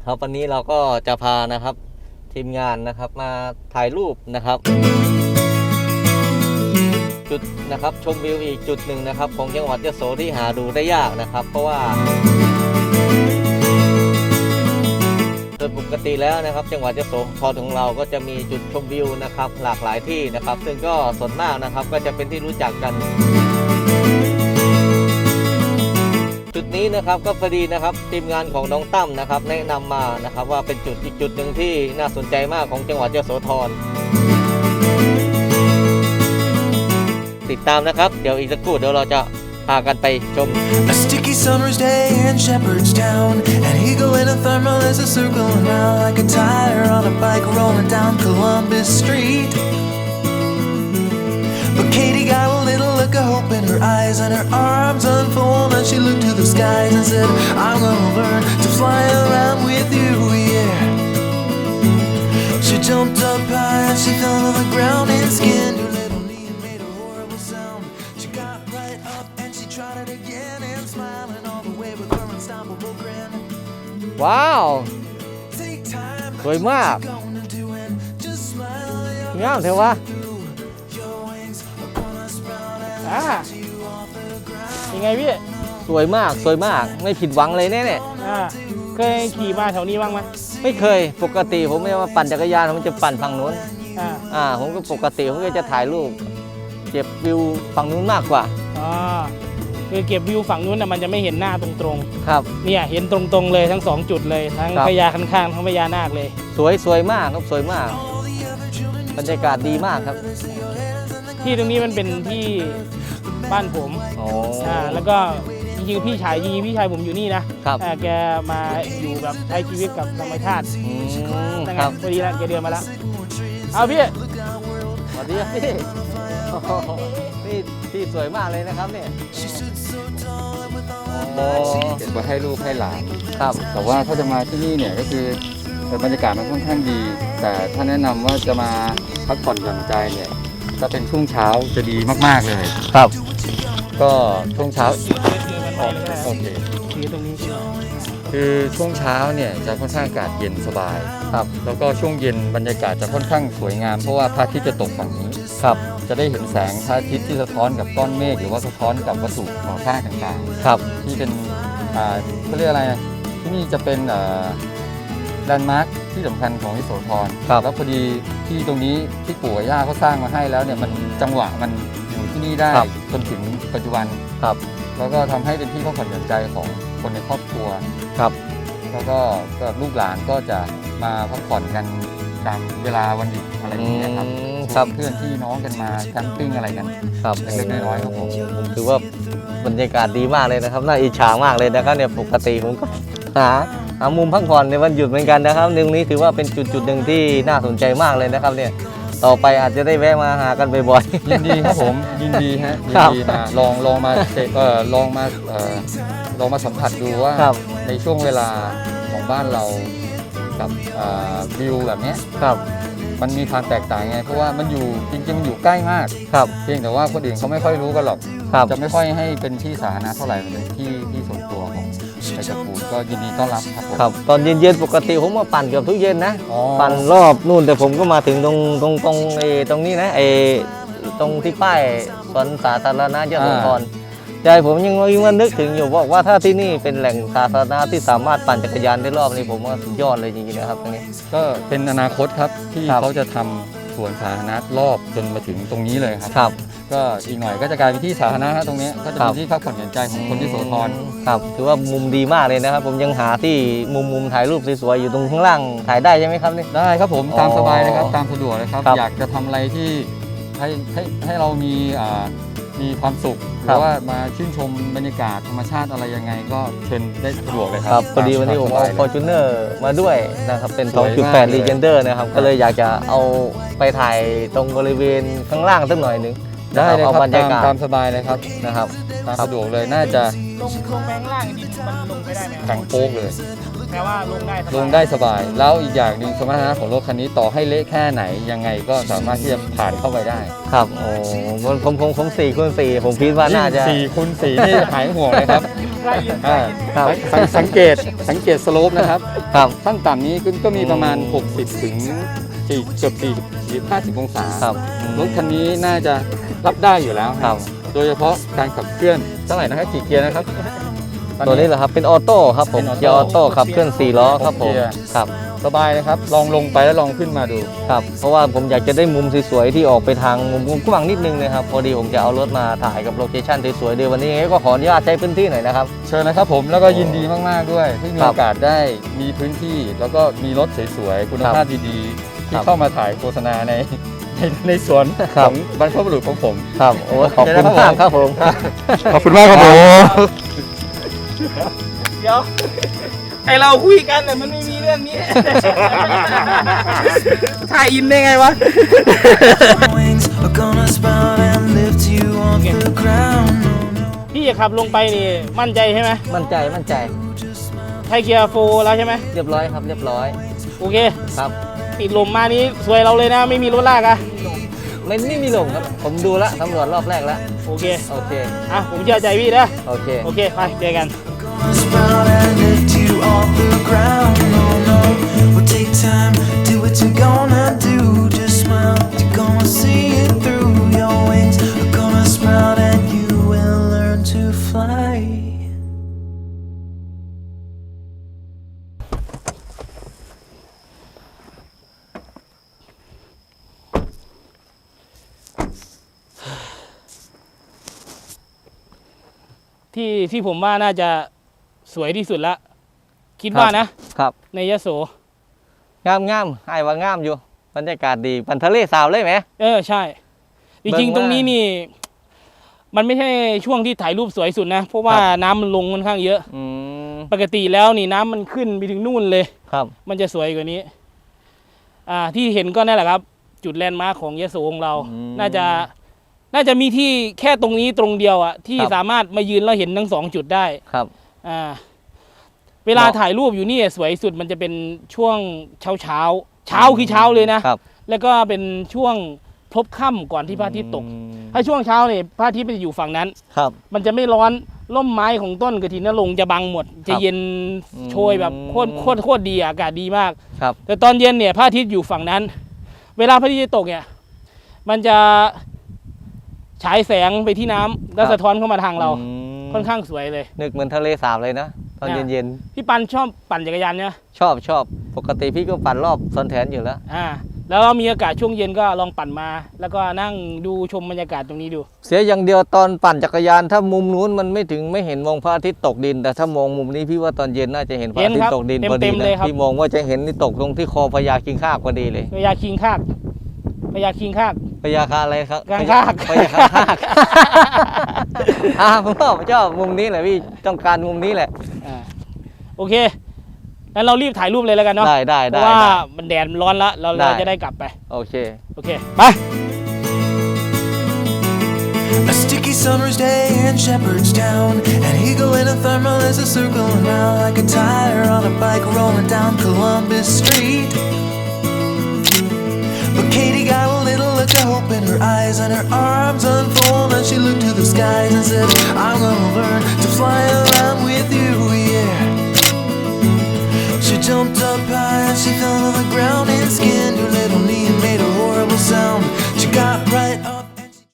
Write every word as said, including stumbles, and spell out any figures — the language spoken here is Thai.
ครับวันนี้เราก็จะพานะครับทีมงานนะครับมาถ่ายรูปนะครับจุดนะครับชมวิวอีกจุดหนึ่งนะครับของจังหวัดยโสที่หาดูได้ยากนะครับเพราะว่าโดยปกติแล้วนะครับจังหวัดยโสธรของเราก็จะมีจุดชมวิวนะครับหลากหลายที่นะครับซึ่งก็ส่วนมากนะครับก็จะเป็นที่รู้จักกันจุดนี้นะครับก็พอดีนะครับทีมงานของน้องตั้มนะครับแนะนำมานะครับว่าเป็นจุดอีกจุดหนึ่งที่น่าสนใจมากของจังหวัดยโสธรติดตามนะครับเดี๋ยวอีกสักครู่เดี๋ยวเราจะพากันไปชม A sticky summer's day in Shepherdstown, and Eagle in a thermal is a circling round like a tire on a bike rolling down Columbus Street. But Katie got a little look of hope in her eyes, and her arms unfold, and she looked to the skies and said, I'm gonna learn to fly around with you, yeah. She jumped up high and she fell to the ground and skinned her little knee and made a horrible sound. She got right up and she tried it again and smiling all the way with her unstoppable grin. ว้าว Take time, สวยมาก gonna do it. Just smile, you're งามเถอะวะ your wings upon a sprout and อ่า you off the ground. ยังไงพี่สวยมากสวยมากไม่ผิดหวังเลยแน่เนี่ยอ่าเคยขี่มาแถวนี้บ้างไหมไม่เคยปกติผมไม่ว่าปั่นจักรยานผมจะปั่นฝั่งนู้นอ่าอ่าผมก็ปกติผมก็จะถ่ายรูปเก็บวิวฝั่งนู้นมากกว่าอ๋อคือเก็บวิวฝั่งนู้นน่ะมันจะไม่เห็นหน้าตรงครับๆเนี่ยเห็นตรงๆเลยทั้งสองจุดเลยทั้งครับพญาคันคางทั้งพญานาคเลยสวยสวยมากครับสวยมากบรรยากาศดีมากครับที่ตรงนี้มันเป็นที่บ้านผมโอ้อ่าแล้วก็จริงๆพี่ชายจริงๆพี่ชายผมอยู่นี่นะครับ อ่าแกมาอยู่แบบใช้ชีวิตกับธรรมชาติอืมนั่นคไงรับพอดีแล้วแกเดินมาแล้วเอาพี่สวัสดีครับพี่โอ้โหนี่ที่สวยมากเลยนะครับเนี่ยโอ้เก็บไว้ให้ลูกให้หลานครับแต่ว่าถ้าจะมาที่นี่เนี่ยก็คือบรรยากาศมันค่อนข้างดี แต่ถ้าแนะนำว่าจะมาพักผ่อนหย่อนใจเนี่ยถ้าเป็นช่วงเช้าจะดีมากๆเลยครับก็ช่วงเช้าโอเคถือตรงนี้คือช่วงเช้าเนี่ยจะค่อนข้างอากาศเย็นสบายครับแล้วก็ช่วงเย็นบรรยากาศจะค่อนข้างสวยงามเพราะว่าพระอาทิตย์จะตกฝั่งนี้ครับจะได้เห็นแสงพระอาทิตย์ที่สะท้อนกับก้อนเมฆหรือว่าสะท้อนกับวัตถุก่อสร้างต่างครับๆ ที่เป็นอ่าเขาเรียกอะไรนะที่นี่จะเป็นแลนด์มาร์คที่สำคัญของยโสธรครับแล้วพอดีที่ตรงนี้ที่ปู่กับย่าเขาสร้างมาให้แล้วเนี่ยมันจังหวะมันอยู่ที่นี่ได้จนถึงปัจจุบันครับแล้วก็ทำให้เป็นที่พักผ่อนหย่อนใจของคนในครอบครัวครับแล้วก็ก็ลูกหลานก็จะมาพักผ่อนกันตามเวลาวันหยุดอะไรอย่างเงี้ยครับอืมครับเพื่อนพี่น้องกันมาแคมปิ้งอะไรกันครับเล็กๆน้อยๆครับผมผมถือว่าบรรยากาศดีมากเลยนะครับน่าอิจฉามากเลยนะครับเนี่ยปกติผมก็หาหามุมพักผ่อนในวันหยุดเหมือนกันนะครับหนึ่งนี้ถือว่าเป็นจุดจุดหนึ่งที่น่าสนใจมากเลยนะครับเนี่ยต่อไปอาจจะได้แวะมาหากันบ่อยยินดีครับผมยินดีฮะยิคน รับดีมาลองลองมาเจเออลองมาเออลองมาสัมผัสดูว่าครับในช่วงเวลาของบ้านเรากับอ่าวิวแบบเนี้ยๆครับมันมีความแตกต่างไงเพราะว่ามันอยู่จริงๆมันอยู่ใกล้มากครับเพียงแต่ว่าคนอื่นเขาไม่ค่อยรู้กันหรอกครับจะไม่ค่อยให้เป็นที่สาธารณะเท่าไหร่มันเป็นที่ที่ส่วนตัวของในตระกูลก็ยินดีต้อนรับครับผมครับตอนเย็นๆปกติผมมาปั่นเกือบทุกเย็นนะอ๋อปั่นรอบนู่นแต่ผมก็มาถึงตรงตรงตรงไอ้ตรงนี้นะไอ้ตรงที่ป้ายสวนสาธารณะยโสธรใจผมยังยังว่านึกถึงอยู่บอกว่าถ้าที่นี่เป็นแหล่งสาธารณะที่สามารถปั่นจักรยานได้รอบนี้ผมว่าสุดยอดเลยจริงๆนะครับตรงนี้ก็เป็นอนาคตครับที่ครับเขาจะทำสวนสาธารณะรอบจนมาถึงตรงนี้เลยครับครับก็อีกหน่อยก็จะกลายเป็นที่สาธารณะฮะตรงเนี้ยก็จะครัเป็บนที่พักผ่อนหย่อนใจของคนที่โสธรครับถือว่ามุมดีมากเลยนะครับ ผมยังหาที่มุมมุมถ่ายรูปสวยๆอยู่ตรงข้างล่างถ่ายได้ใช่ไหมครับนี่ได้ครับผมอ๋อตามสบายเลยครับตามสะดวกเลยครับครับอยากจะทำอะไรที่ให้ให้ให้เรามีอ่ามีความสุขหครัรืบอว่ามาชื่นชมบรรยากาศธรรมชาติอะไรยังไง ก็เชิญได้สะดวกเลยคครัรับพอดีวันนี้ผมเอาตฟอร์จูเนอร์มาด้วยนะครับเป็นสวยมากสองจุดแปดเลย Legender นะครับก็เลยอยากจะเอาไปถ่ายตรงบริเวณข้างล่างสักหน่อยหนึงได้เลยเอาครับบรรยากาศตามตามสบายเลยครับนะครับตามสะดวกเลยน่าจะลงลงแบงล่างดินมันลงไปได้ไหมแข็งโป๊กเลยแปลว่าลงได้สบายลงได้สบาย แล้วอีกอย่างหนึ่งสมรรถนะของรถคันนี้ต่อให้เละแค่ไหนยังไงก็สามารถที่จะผ่านเข้าไปได้ครับโอ้ผมผมผมผมสี่คูณสี่ผมคิดว่าน่าจะสี่คูณสี่นี่หายห่วงเลยครับได้ยินได้อ่ายินครับสังสังเกตสังเกตสโลปนะครับครับขั้นต่ำนี้ก็ก็มีประมาณอืมหกสิบถึงสี่เกือบสี่สิบห้าสิบองศาครับรถคันนี้น่าจะรับได้อยู่แล้วครับโดยเฉพาะการขับเคลื่อนเท่าไหร่นะครับกี่เกียร์นะครับตัวนี้เหรอครับเป็นออโต้ครับผมเป็นออโต้เกียร์ออโต้ขับเคลื่อนสี่ล้อครับผมเกียร์ครับสบายนะครับ ลองลงไปแล้วลองขึ้นมาดูครับเพราะว่าผมอยากจะได้มุมสวยๆที่ออกไปทางมุมมุมกว้างนิดนึงนะครับพอดีผมจะเอารถมาถ่ายกับโลเคชั่นสวยๆเดี๋ยววันนี้ก็ขออนุญาตใช้พื้นที่หน่อยนะครับเชิญนะครับผมแล้วก็ยินดีมากๆด้วยที่มีครับโอกาสได้มีพื้นที่ แล้วก็มีรถสวยๆคุณภาพดีๆ ที่ครับเข้ามาถ่ายโฆษณาในในในสวนคขรับองบรรพบุรุษของผมครับโอ้ขอบคุณมากครับผมขอบคุณมากครับผมเดี๋ยวไอเราคุยกันแต่มันไม่มีเรื่องนี้ ถ่ายอินได้ไงวะ Wings are gonna sprout and lift you off the ground. No, no. พี่จะขับลงไปนี่มั่นใจใช่ไหมมั่นใจมั่นใจไทยเกียร์โฟร์แล้วใช่ไหมเรียบร้อยครับเรียบร้อยโอเคครับติดลมมานี้สวยเราเลยนะ ไม่มีรถลากอะไม่ไม่มีลงครับผมดูแลวสำรวจรอบแรกแล้วโอเคโอเคอ่ะผมเชื่อใจพี่นะโอเคโอเคไปเจอกัน Gonna sprout and lift you off the ground. No, no. We'll take time, do what you're gonna do. Just smile, you're gonna see it through. Your wings are gonna sprout and you will learn to fly. ที่ที่ผมว่าน่าจะสวยที่สุดละคิดว่านะครับ ในยโสงามงามไอ้ว่างามอยู่บรรยากาศดีปันทะเลสาวเลยไหมเออใช่ จริงๆเบิ่งว่าตรงนี้นี่ มันไม่ใช่ช่วงที่ถ่ายรูปสวยสุดนะ เพราะว่าครับน้ำมันลงค่อนข้างเยอะอืมปกติแล้วนี่น้ำมันขึ้นไปถึงนู่นเลยครับมันจะสวยกว่านี้ อ่า ที่เห็นก็นั่นแหละครับ จุดแลนด์มาร์คของยโสของเราอืมน่าจะ น่าจะมีที่แค่ตรงนี้ตรงเดียวอะที่ครับสามารถมายืนแล้วเห็นทั้งสองจุดได้ครับอ่า เวลาเหมาะถ่ายรูปอยู่นี่สวยสุดมันจะเป็นช่วงเช้าเช้าๆเช้าคือเช้าเลยนะครับแล้วก็เป็นช่วงพลบค่ำก่อนที่พระอาทิตย์ตกอืมถ้าช่วงเช้าเนี่ยพระอาทิตย์มันจะอยู่ฝั่งนั้นครับมันจะไม่ร้อนร่มไม้ของต้นกระถินนรงค์จะบังหมด จะเย็นอืมโชยแบบโคตรโคตรโคตรดีอะอากาศดีมากครับแต่ตอนเย็นเนี่ยพระอาทิตย์อยู่ฝั่งนั้น เวลาพระอาทิตย์จะตกเนี่ย มันจะฉายแสงไปที่น้ำแล้วครับสะท้อนเข้ามาทางเราอืมค่อนข้างสวยเลยนึกเหมือนทะเลสาบเลยนะตอนอ่าเย็นพี่ปันชอบปั่นจักรยานเนี่ยๆชอบชอบปกติพี่ก็ปั่นรอบสวนแถนอยู่แล้วอ่า แล้วเรามีอากาศช่วงเย็นก็ลองปั่นมา แล้วก็นั่งดูชมบรรยากาศตรงนี้ดูเสียอย่างเดียวตอนปั่นจักรยานถ้ามุมนู้นมันไม่ถึงไม่เห็นมองพระอาทิตย์ตกดิน แต่ถ้ามองมุมนี้พี่ว่าตอนเย็นน่าจะเห็นพระอาทิตย์ตกดินพอดีนะพี่มองว่าจะเห็นนี่ตกลงที่คอพญาคิงคากพอดีเลยพญาคิงคากพญาคิงคากพญาคาอะไรครับกางคากพญาคางคาก อ่าผมชอบผมชอบมุมนี้แหละพี่ต้องการมุมนี้แหละอ่าโอเคงั้นเรารีบถ่ายรูปเลยแล้วกันเนาะได้ได้เพได้ราะว่าได้มันแดดมันร้อนละเราได้เราจะได้กลับไปโอเคโอเค ไป A sticky summer's day in Shepherdstown. An eagle in a thermal is a circling round like a tire on a bike rolling down Columbus Street. But Katie got a little look of hope in her eyes, and her arms unfold, and she looked to the skies and said, I'm gonna learn to fly around with you, yeah. She jumped up high and she fell to the ground and skinned her little knee and made a horrible sound. She got right